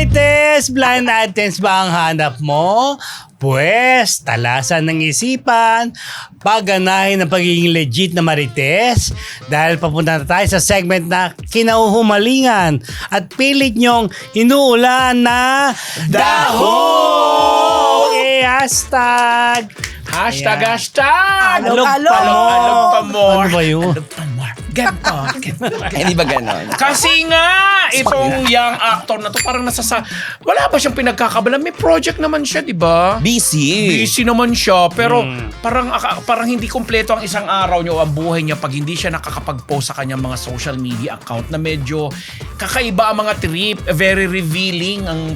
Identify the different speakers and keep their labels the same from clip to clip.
Speaker 1: Marites, blind items ba ang hanap mo? Pwes, talasan ng isipan, pagganahin ng pagiging legit na Marites dahil papunta na tayo sa segment na kinauhumalingan at pilit nyong inuulan na Daho! Hashtag!
Speaker 2: Hashtag!
Speaker 1: Alog pa more. Ano ba yun?
Speaker 2: Ganto.
Speaker 3: Hindi ba ganon?
Speaker 2: Kasi nga, itong young actor na to parang wala ba siyang pinagkakabala? May project naman siya, di ba? Busy naman siya, pero parang hindi kumpleto ang isang araw niya o ang buhay niya pag hindi siya nakakapag-post sa kanyang mga social media account na medyo kakaiba ang mga trip, very revealing ang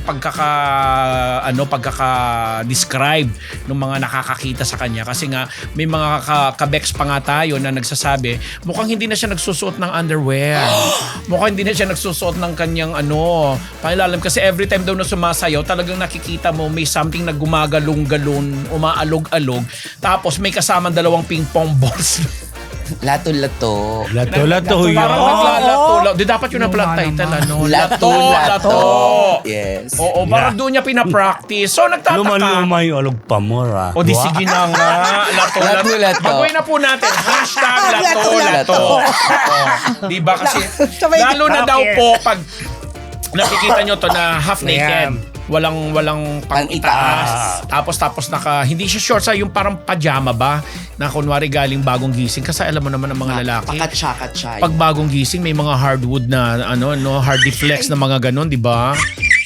Speaker 2: pagkaka-describe ng mga nakakakita sa kanya. Kasi nga, may mga kabeks pa nga tayo na nagsasabi, mukhang hindi na siya nagsusuot ng underwear. Mukhang hindi na siya nagsusuot ng kanyang pangilalim. Kasi every time daw na sumasayaw, talagang nakikita mo may something na gumagalong-galon, umaalog-alog. Tapos may kasamang 2 ping pong balls.
Speaker 3: Lato-lato.
Speaker 1: Lato-lato yun.
Speaker 2: Parang naglalato. Di dapat yun na pala title, Lato-lato.
Speaker 3: Yes.
Speaker 2: Oo, parang doon niya pinapractice. So, nagtataka.
Speaker 1: Luma-luma yung alog pa mo, ha?
Speaker 2: O di sige na nga.
Speaker 3: Lato-lato.
Speaker 2: Baguhin na po natin. Hashtag lato-lato. Di ba kasi, lalo na daw po pag nakikita nyo to na half naked. Walang pang-itaas. Tapos hindi siya shorts, yung parang pajama ba na kunwari galing bagong gising kasi alam mo naman ang mga lalaki.
Speaker 3: Pakatsa-katsa.
Speaker 2: Pag bagong gising may mga hardwood na hardy flex na mga ganon, di ba?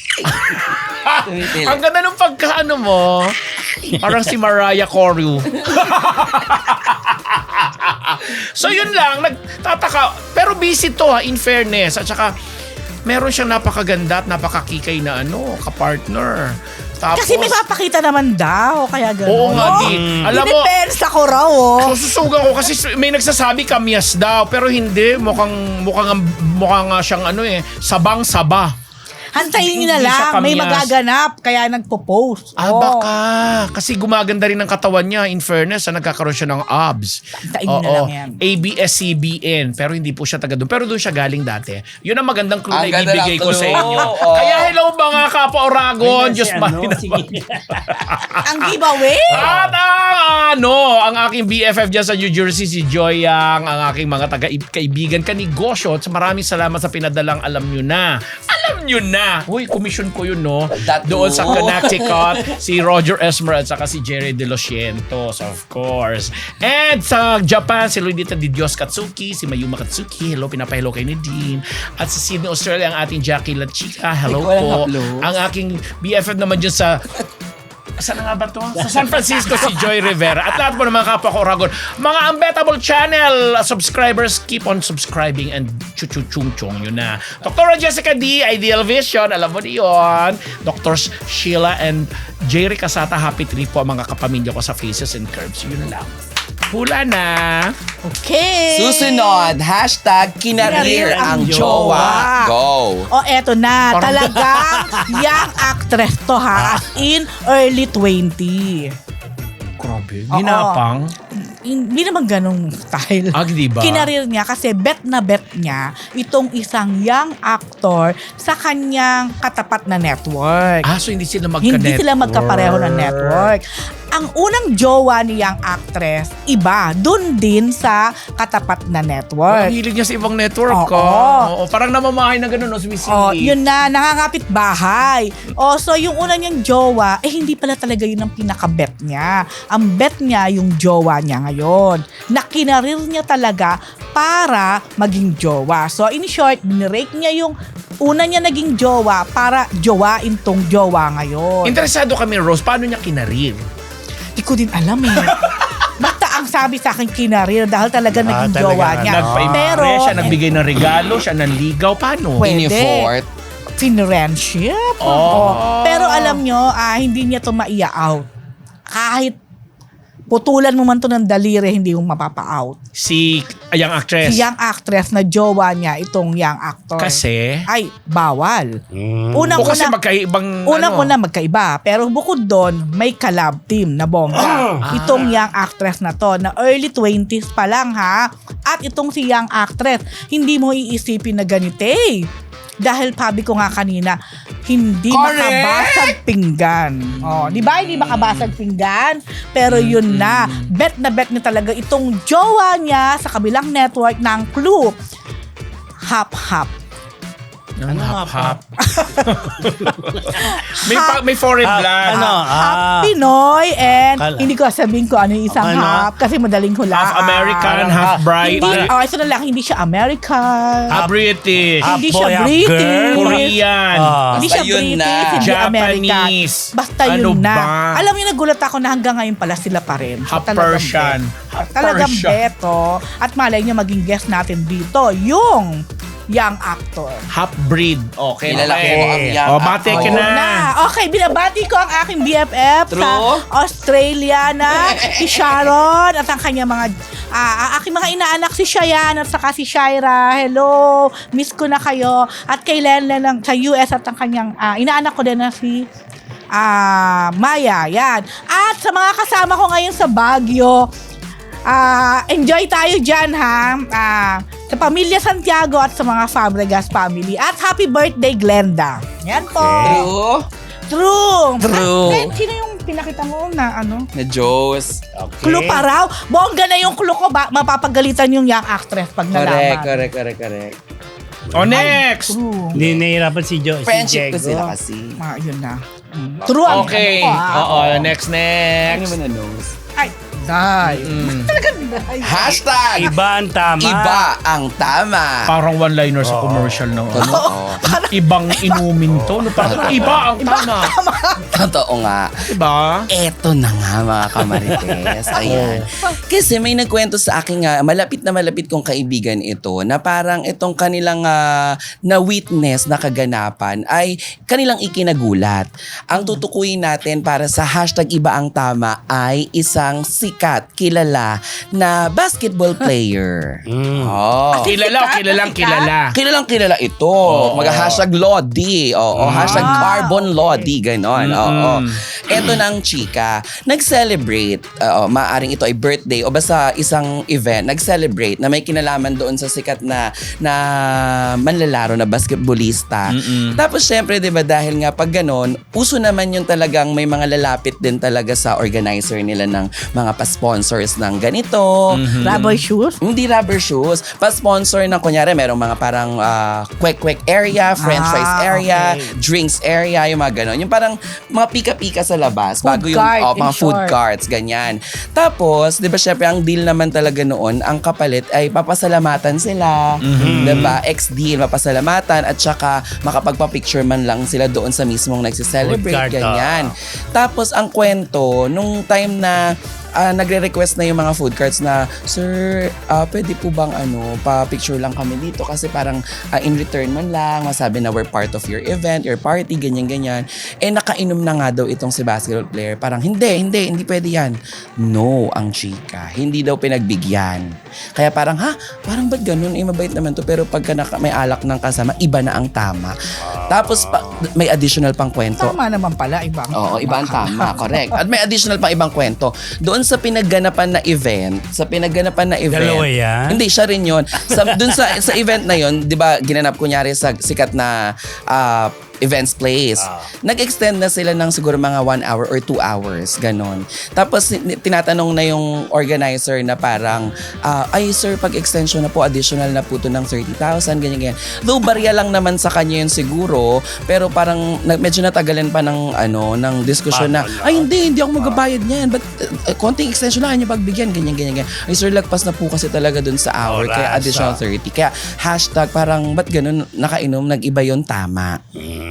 Speaker 2: Ang ganda ng pagkaano mo. Parang si Mariah Carey. So yun lang, nagtataka. Pero busy to in fairness. At saka meron siyang napakaganda at napakakikay na kapartner. Tapos,
Speaker 4: kasi may papakita naman daw, kaya gano'n.
Speaker 2: Oo nga, alam mo,
Speaker 4: depends ako raw,
Speaker 2: sususugan ko kasi may nagsasabi kamyas daw, pero hindi, mukhang nga siyang sabang-saba.
Speaker 4: Hantayin niyo na
Speaker 2: Hindi siya
Speaker 4: lang, may
Speaker 2: kamyas.
Speaker 4: magaganap, kaya nagpo-post.
Speaker 2: Baka. Kasi gumaganda rin ang katawan niya. In fairness, nagkakaroon siya ng abs.
Speaker 4: Hantayin niyo na lang yan.
Speaker 2: ABS-CBN. Pero hindi po siya taga doon. Pero doon siya galing dati. Yun ang magandang clue na
Speaker 3: Ang ganda
Speaker 2: ibibigay
Speaker 3: ng
Speaker 2: ko sa
Speaker 3: clue.
Speaker 2: inyo.
Speaker 3: Oo.
Speaker 2: Kaya hello mga kapwa Oragon. Diyos
Speaker 4: Ang giveaway?
Speaker 2: At ang aking BFF dyan sa New Jersey, si Joy Yang, ang aking mga kaibigan kanegosyo. At maraming salamat sa pinadalang alam nyo na. Uy, commission ko yun, no? Doon sa Connecticut, si Roger Esmer at saka si Jerry De Los Cientos, of course. And sa Japan, si Luidita Di Dios Katsuki, si Mayuma Katsuki, hello, pinapahelo kay Nadine. At sa Sydney, Australia, ang ating Jackie La Chica, hello po. Ang aking BFF naman dyan sa... Saan nga ba to? Sa San Francisco, si Joy Rivera. At lahat po ng mga kapwa ko Oragon. Mga Unbettable Channel subscribers, keep on subscribing and chuchuchung-chung yun na. Dr. Jessica D, Ideal Vision, alam mo yun. Dr. Sheila and Jerry Casata, happy trip po mga kapamilya ko sa Faces and Curves. Yun lang. Hula na.
Speaker 4: Okay.
Speaker 3: Susunod, hashtag kinarir ang jowa. Go.
Speaker 4: Eto na. Talagang young actress to ha. As in early 20.
Speaker 2: Grabe. Ginapang.
Speaker 4: Hindi naman ganong style.
Speaker 2: Diba?
Speaker 4: Kinarir niya kasi bet niya itong isang young actor sa kanyang katapat na network.
Speaker 2: So hindi sila magka-network.
Speaker 4: Hindi sila magkapareho ng network. Ang unang jowa ni young actress, iba, dun din sa katapat na network.
Speaker 2: Ang hilig niya sa ibang network.
Speaker 4: Oo.
Speaker 2: Parang namamahay na gano'n, sumisili.
Speaker 4: Yun na, nangangapit bahay. So yung una niyang jowa, hindi pala talaga yun ang pinaka-bet niya. Ang bet niya, yung jowa niya ngayon. Na kinarir niya talaga para maging jowa. So in short, binirake niya yung una niya naging jowa para jowain tong jowa ngayon.
Speaker 2: Interesado kami, Rose, paano niya kinarir?
Speaker 4: Di ko din alam Basta ang sabi sa akin kinarir dahil talaga naging
Speaker 1: talaga
Speaker 4: jowa niya.
Speaker 2: Nagpa-impress, siya nagbigay ng regalo, siya nanligaw. Paano?
Speaker 4: Pwede.
Speaker 3: In-effort.
Speaker 4: Friendship. Pero alam nyo, hindi niya to maia-out. Kahit putulan mo man to ng daliri, hindi mo mapapa-out.
Speaker 2: Si young actress.
Speaker 4: Si young actress na jowa niya, itong young actor.
Speaker 2: Kasi?
Speaker 4: Ay, bawal.
Speaker 2: Kasi magkaibang
Speaker 4: Unang-una magkaiba. Pero bukod doon, may collab team na bongga. Itong young actress na to, na early 20s pa lang ha. At itong si young actress, hindi mo iisipin na ganito Dahil sabi ko nga kanina, hindi
Speaker 3: Correct!
Speaker 4: makabasag pinggan. Oh, di ba hindi makabasag pinggan? Pero yun na bet niya talaga itong jowa niya sa kabilang network ng Clue. Hap-hap.
Speaker 1: Ano nga
Speaker 2: Hap-hap. may foreign blood.
Speaker 4: Half Pinoy and
Speaker 1: Kala.
Speaker 4: hindi ko sabihin ko ano yung isang
Speaker 1: Ano?
Speaker 4: half kasi madaling hulaan.
Speaker 2: Half American, half bright.
Speaker 4: Hindi, ito na lang, hindi siya American.
Speaker 2: Half British.
Speaker 1: Half
Speaker 4: Hindi
Speaker 1: boy,
Speaker 4: siya
Speaker 1: half
Speaker 4: British.
Speaker 1: girl.
Speaker 2: Korean.
Speaker 4: Hindi
Speaker 3: Basta
Speaker 4: siya
Speaker 3: yun
Speaker 4: British,
Speaker 3: na.
Speaker 4: hindi American.
Speaker 2: Japanese.
Speaker 4: Basta
Speaker 2: Ano
Speaker 4: yun na.
Speaker 2: ba?
Speaker 4: Alam niyo, nagulat ako na hanggang ngayon pala sila pa rin.
Speaker 2: Half
Speaker 4: Talagang
Speaker 2: Persian.
Speaker 4: bet.
Speaker 2: Half
Speaker 4: Talagang
Speaker 2: Persian.
Speaker 4: beto. At malay niyo maging guest natin dito, yung young actor.
Speaker 2: Half breed. Okay.
Speaker 3: Kilala
Speaker 2: okay.
Speaker 3: ko ang young
Speaker 2: Bate ka
Speaker 3: actor.
Speaker 2: na.
Speaker 4: Okay, binabati ko ang aking BFF sa
Speaker 3: True.
Speaker 4: Australia na si Sharon at ang kanyang mga ang aking mga inaanak si Shayan at saka si Shaira. Hello, miss ko na kayo. At kay Lenlen ng sa US at ang kanyang inaanak ko din na si Maya. Yan. At sa mga kasama ko ngayon sa Baguio, enjoy tayo dyan ha. Sa pamilya Santiago at sa mga Fabregas family. At happy birthday Glenda. Yan po.
Speaker 3: True.
Speaker 4: True. Ay, sino yung pinakita mo na ano?
Speaker 3: Na Diyos.
Speaker 1: Okay.
Speaker 4: Clue pa raw. Bongga na yung clue ko. Mapapagalitan yung young actress pag nalaman.
Speaker 3: Correct.
Speaker 2: O, next.
Speaker 4: True.
Speaker 1: Hindi nahihirapan si Joe.
Speaker 3: Friendship ko
Speaker 1: si Diego.
Speaker 3: sila kasi.
Speaker 4: Yun na. True ang
Speaker 2: Okay.
Speaker 4: ano ko,
Speaker 2: Oo, next.
Speaker 3: Ano naman na knows?
Speaker 4: Ay, die. Talagang die.
Speaker 3: Hashtag!
Speaker 1: Iba ang tama.
Speaker 3: Iba ang tama.
Speaker 2: Parang one-liner sa commercial ng
Speaker 3: Totoo.
Speaker 2: ibang inumin to. No? Parang iba ang tama.
Speaker 3: Totoo nga.
Speaker 2: Diba?
Speaker 3: Eto na nga mga kamarites. Ayan. Kasi may nagkwento sa akin nga, malapit na malapit kong kaibigan ito, na parang itong kanilang na-witness na kaganapan ay kanilang ikinagulat. Ang tutukuyin natin para sa hashtag iba ang tama ay isang sikat, kilala na basketball player. Oh.
Speaker 2: Kilala.
Speaker 3: Kilalang kilala ito. Mag-hashtag Lodi. Hashtag Carbon Lodi. Ganon. Eto na ang chika. Nag-celebrate. Maaring ito ay birthday o basta isang event. Nag-celebrate na may kinalaman doon sa sikat na manlalaro na basketballista. Tapos syempre, di ba, dahil nga pag ganon, uso naman yung talagang may mga lalapit din talaga sa organizer nila ng mga pa-sponsors ng ganito.
Speaker 4: Rubber shoes?
Speaker 3: Hindi rubber shoes. Pa-sponsor ng, kunyari, merong mga parang kwek-kwek area, french fries area,
Speaker 4: okay.
Speaker 3: drinks area, yung mga ganon. Yung parang mga pika-pika sa labas.
Speaker 4: Food
Speaker 3: bago yung
Speaker 4: cart, in
Speaker 3: mga food
Speaker 4: short.
Speaker 3: carts, ganyan. Tapos, di ba, syempre, ang deal naman talaga noon, ang kapalit ay papasalamatan sila. Di ba? Ex-deal, papasalamatan at saka makapagpa-picture man lang sila doon sa mismong
Speaker 1: Food
Speaker 3: nagsiselebrate,
Speaker 1: cart,
Speaker 3: ganyan. Tapos, ang kwento, nung time na nagre-request na yung mga food carts na, Sir, pwede po bang pa-picture lang kami dito kasi parang in return man lang, masabi na we're part of your event, your party, ganyan-ganyan. Nakainom na nga daw itong si basketball player. Parang, hindi pwede yan. No, ang chika. Hindi daw pinagbigyan. Kaya parang, parang ba't ganun? Mabait naman to. Pero pagka may alak ng kasama, iba na ang tama. Tapos, may additional pang kwento.
Speaker 4: Tama naman pala, ibang.
Speaker 3: Oo, iba ang tama, correct. At may additional pang ibang kwento. Doon sa pinagganapan na event,
Speaker 1: Dalawa yan?
Speaker 3: Hindi, siya rin yun. Doon sa event na yun, di ba, ginanap kunyari sa sikat na events place. Nag-extend na sila ng siguro mga 1 hour or 2 hours, ganon. Tapos tinatanong na yung organizer na parang, ay sir, pag-extension na po, additional na po to ng 30,000, ganyan. Though barya lang naman sa kanya yun siguro, pero parang medyo natagalan pa ng diskusyon na, ay hindi ako magbabayad niyan. But konting extension lang niya pagbigyan, ganyan. Ay sir, lagpas na po kasi talaga dun sa hour, kaya additional 30. Kaya hashtag parang, ba't ganun, nakainom, nag-iba yun, tama.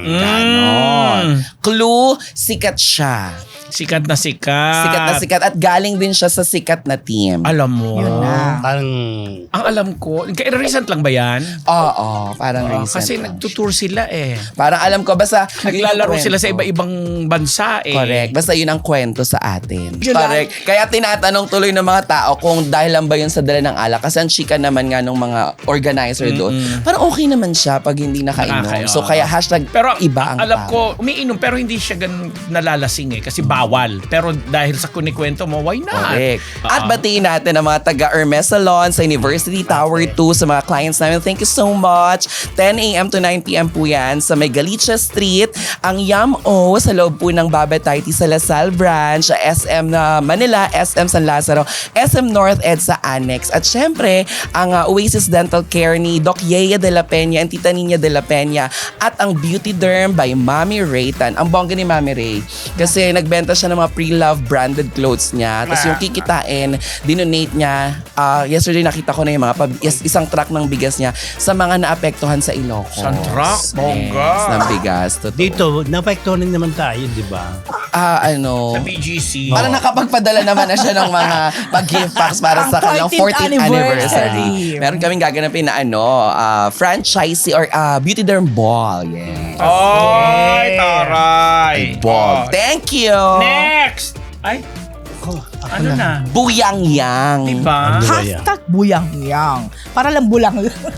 Speaker 3: Ganon. Clue, sikat siya.
Speaker 2: Sikat na sikat.
Speaker 3: Sikat na sikat at galing din siya sa sikat na team.
Speaker 2: Alam mo.
Speaker 4: Yun na.
Speaker 1: Parang,
Speaker 2: Ang alam ko, recent lang ba yan?
Speaker 3: Oo, parang recent.
Speaker 2: Kasi
Speaker 3: lang.
Speaker 2: nagtutour sila eh.
Speaker 3: Parang alam ko, basta yun yung
Speaker 2: Naglalaro sila sa
Speaker 3: kwento.
Speaker 2: iba-ibang bansa eh.
Speaker 3: Correct. Basta yun ang kwento sa atin.
Speaker 4: Yun
Speaker 3: Correct. Kaya tinatanong tuloy ng mga tao kung dahil lang ba yun sa dala ng alak. Kasi ang chika naman nga ng mga organizer doon. Parang okay naman siya pag hindi nakainom.
Speaker 2: Nakakaya.
Speaker 3: So kaya hashtag
Speaker 2: Pero Pero
Speaker 3: Iba ang
Speaker 2: alam
Speaker 3: tao.
Speaker 2: ko, umiinom pero hindi siya ganun nalalasing kasi bawal. Pero dahil sa kunikwento mo, why not?
Speaker 3: Correct. At batiin natin ang mga taga Hermes Salon sa University Tower 2 sa mga clients namin. Thank you so much. 10 a.m. to 9 p.m. po yan sa may Galicia Street. Ang Yum-O sa loob po ng Babatay sa Lasal Branch, SM na Manila, SM San Lazaro, SM North Ed sa Annex. At syempre, ang Oasis Dental Care ni Doc Yea de la Peña and Tita Nina de la Peña at ang Beauty Derm by Mami Raytan. Ang bongga ni Mami Ray. Kasi nagbenta siya ng mga pre-love branded clothes niya. Tapos yung kikitain, dinonate niya. Yesterday nakita ko na yung mga isang truck ng bigas niya sa mga naapektuhan sa Ilocos.
Speaker 2: Isang truck? Bongga.
Speaker 3: Yes, ng bigas. Totoo.
Speaker 1: Dito, napektuhan naman tayo, di ba?
Speaker 2: Sa BGC.
Speaker 3: Parang nakapagpadala naman na siya ng mga gift packs para sa kanilang 14th anniversary. Meron kaming gaganapin na franchisee or beauty derm ball. Yes.
Speaker 2: Ay, taray.
Speaker 3: Ball.
Speaker 2: Oh.
Speaker 3: Thank you.
Speaker 2: Next! Ay, ano na?
Speaker 3: Buyang Yang.
Speaker 2: Diba?
Speaker 4: Hashtag buyang-yang. Para lang bulang.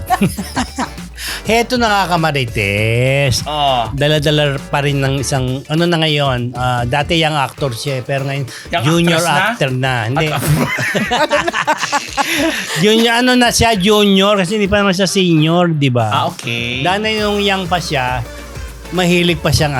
Speaker 1: Heto na nga Kamarites.
Speaker 2: Oh.
Speaker 1: Dala-dala pa rin ng isang, ano na ngayon, dati young actor siya, pero ngayon
Speaker 2: Young
Speaker 1: junior
Speaker 2: actress na?
Speaker 1: actor na. Hindi. Junior, ano na siya, junior, kasi hindi pa naman siya senior, di ba?
Speaker 2: Okay.
Speaker 1: Dahil yung young pa siya, mahilig pa siyang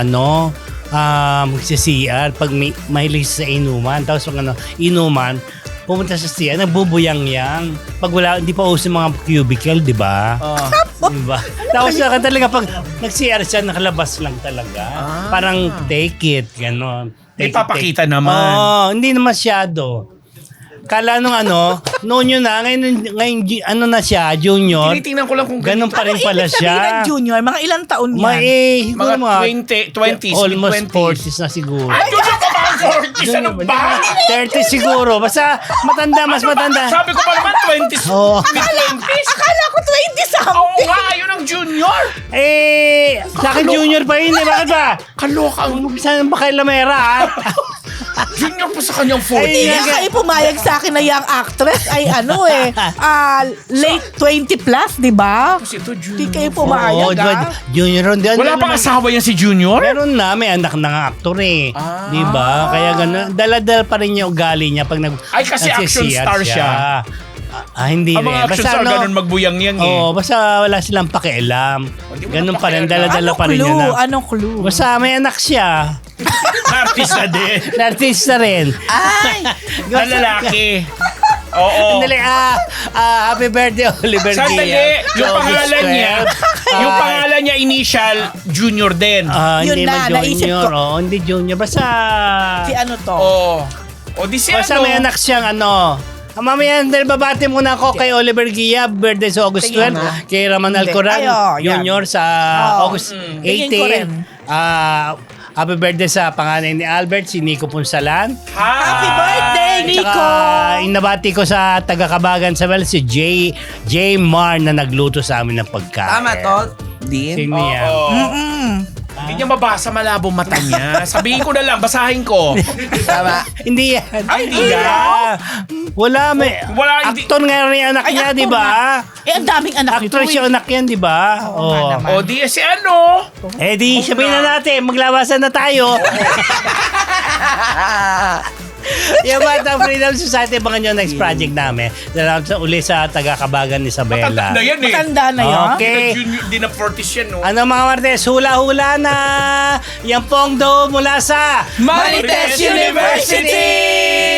Speaker 1: magsi-CR pag mahilig sa inuman. Tapos pag inuman, pumunta sa CR, nagbubuyang-yang. Pag wala, hindi pa uso mga cubicle, di ba? Diba? Tapos talaga pag nag-CR siya, nakalabas lang talaga. Parang take it, gano'n.
Speaker 2: May papakita naman.
Speaker 1: Oo, hindi na masyado. Kala nung noon yun na, ngayon na siya, junior.
Speaker 2: Tinitingnan ko lang kung
Speaker 1: Ganun pa rin pala
Speaker 4: Ibig sabihin ng
Speaker 1: siya.
Speaker 4: junior, mga ilang taon yan?
Speaker 1: Siguro
Speaker 2: mga 20s,
Speaker 1: almost
Speaker 2: mid-20s.
Speaker 1: 40s na siguro.
Speaker 2: Ay, junior pa ba ang 40s? Ano ba?
Speaker 1: 30 siguro. Basta matanda, mas matanda.
Speaker 2: Sabi ko pa naman 20s,
Speaker 1: Oo.
Speaker 2: mid-20s.
Speaker 4: Akala ko 20
Speaker 2: Oo
Speaker 4: something.
Speaker 2: nga, yun ang junior.
Speaker 1: Sa akin junior pa yun. Bakit ba?
Speaker 2: Kaloka.
Speaker 1: Saan ba kay Lamera, ha?
Speaker 2: Junior pa sa kanyang 40s.
Speaker 1: Ay,
Speaker 4: Hindi kayo pumayag sa akin na young actress ay late 20 plus, di ba?
Speaker 2: Kasi ito
Speaker 4: Hindi
Speaker 2: junior.
Speaker 4: kayo pumayag,
Speaker 1: Oo, junior.
Speaker 2: Wala pang asawa yan si Junior?
Speaker 1: Meron na, may anak na nga aktor eh. Di ba? Kaya gano'n. Dala-dala pa rin yung ugali niya pag
Speaker 2: Ay, kasi action
Speaker 1: nagsisiyat
Speaker 2: star siya.
Speaker 1: Hindi
Speaker 2: Ang mga
Speaker 1: rin.
Speaker 2: action star ganun magbuyang-yang eh.
Speaker 1: Oo, basta wala silang pakialam.
Speaker 2: di mo
Speaker 1: Ganun
Speaker 2: na
Speaker 1: pa rin,
Speaker 2: pakialam.
Speaker 1: dala-dala pa rin yun.
Speaker 4: Anong clue?
Speaker 1: Basta may anak siya.
Speaker 2: Artist na din.
Speaker 1: Artista rin.
Speaker 3: Ay!
Speaker 2: Na lalaki. Oo.
Speaker 1: Sandali, happy birthday, Oliver
Speaker 2: Sandali,
Speaker 1: Gia.
Speaker 2: yung
Speaker 1: Sa August
Speaker 2: pangalan niya,
Speaker 1: 12.
Speaker 2: yung pangalan niya initial, Junior din.
Speaker 1: Hindi
Speaker 4: Yun
Speaker 1: man
Speaker 4: na, naisip
Speaker 1: junior.
Speaker 4: ko.
Speaker 1: Hindi junior. Basta,
Speaker 4: Si ano to?
Speaker 2: Oo. O di si
Speaker 1: basta
Speaker 2: ano?
Speaker 1: may anak siyang mamaya, dahil babati muna ako kay Oliver Gia, birthday sa August 12. Kay Raman
Speaker 4: Hindi.
Speaker 1: Alcoran,
Speaker 4: Yan.
Speaker 1: junior sa August
Speaker 4: Tingin ko rin.
Speaker 1: 18. Happy birthday sa panganay ni Albert, si Nico Punsalan.
Speaker 4: Happy birthday, Nico!
Speaker 1: Tsaka inabati ko sa taga-Kabagan sa si J. Mar na nagluto sa amin ng pagkain.
Speaker 3: Tama to, Din?
Speaker 1: Sino yan?
Speaker 2: Hindi niya mabasa, malabo mata niya. Sabihin ko na lang, basahin ko.
Speaker 3: Tama.
Speaker 1: Hindi yan.
Speaker 2: Ay, hindi yan.
Speaker 1: Wala,
Speaker 2: Wala, hindi.
Speaker 1: Aktor nga rin yung anak niya,
Speaker 4: actor
Speaker 1: di ba?
Speaker 4: ang daming anak nito.
Speaker 1: Actress yung anak yan, di ba?
Speaker 4: Oo nga naman.
Speaker 2: O di si ano?
Speaker 1: Di sabihin na natin, maglabasan na tayo. Yung Batang Freedom Society, abangan nyo next project namin. Salamat sa uli sa taga-Kabagan Isabela.
Speaker 2: Matanda yan eh.
Speaker 4: Matanda na yun.
Speaker 1: Okay.
Speaker 2: Di na 40s yan, no?
Speaker 1: Ano mga Martes, hula-hula na! Yan pong daw mula sa
Speaker 2: Marites University!